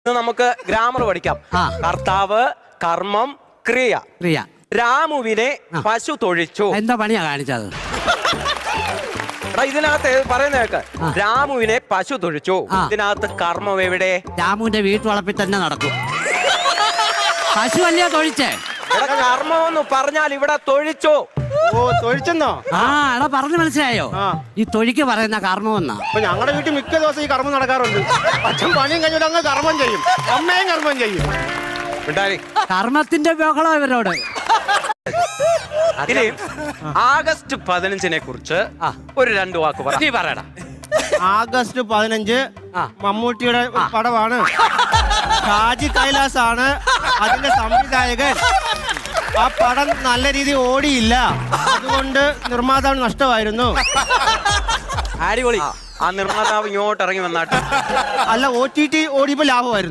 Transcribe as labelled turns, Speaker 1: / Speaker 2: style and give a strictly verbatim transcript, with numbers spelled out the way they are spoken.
Speaker 1: നമുക്ക് ഗ്രാമർ പഠിക്കാം. കർത്താവ്, കർമ്മം, ക്രിയ.
Speaker 2: ക്രിയ.
Speaker 1: രാമുവിനെ പശു തൊഴിച്ചു.
Speaker 2: എന്താ പണിയാ കാണിച്ചത്?
Speaker 1: ഇതിനകത്ത് പറയുന്ന കേക്ക്, രാമുവിനെ പശു തൊഴിച്ചു. ഇതിനകത്ത് കർമ്മം എവിടെ?
Speaker 2: രാമുവിന്റെ വീട്ടുവളപ്പിൽ തന്നെ നടക്കും. പശു അല്ലയോ തൊഴിച്ചേ?
Speaker 1: കർമ്മം എന്ന് പറഞ്ഞാൽ ഇവിടെ തൊഴിച്ചു.
Speaker 3: ഓ, തൊഴിച്ചെന്നോ?
Speaker 2: ആ, എടാ പറഞ്ഞു മനസ്സിലായോ? ഈ തൊഴിക്ക് പറയുന്ന കർമ്മം എന്നാ.
Speaker 3: അപ്പൊ ഞങ്ങളുടെ വീട്ടിൽ മിക്ക ദിവസം ഈ കർമ്മം നടക്കാറുണ്ട്. അച്ഛൻ പണിയും കഴിഞ്ഞിട്ട് അങ്ങ് കർമ്മം ചെയ്യും, അമ്മയും കർമ്മം ചെയ്യും.
Speaker 2: കർമ്മത്തിന്റെ ബഹളം ഇവരോട്.
Speaker 1: ഇനി ആഗസ്റ്റ് പതിനഞ്ചിനെ കുറിച്ച് ഒരു രണ്ടു വാക്ക് പറ. നീ പറയടാ.
Speaker 3: ആഗസ്റ്റ് പതിനഞ്ച് മമ്മൂട്ടിയുടെ പടമാണ്. ഷാജി കൈലാസ് ആണ് അതിന്റെ സംവിധായകൻ. ആ പടം നല്ല രീതിയിൽ ഓടിയില്ല, അതുകൊണ്ട് നിർമ്മാതാവ് നഷ്ടമായിരുന്നു.
Speaker 1: അടിപൊളി. ആ നിർമ്മാതാവ് ഇങ്ങോട്ട് ഇറങ്ങി വന്നാട്ട്.
Speaker 3: അല്ല, ഒ ടി ടി ഓടിയപ്പോ ലാഭമായിരുന്നു.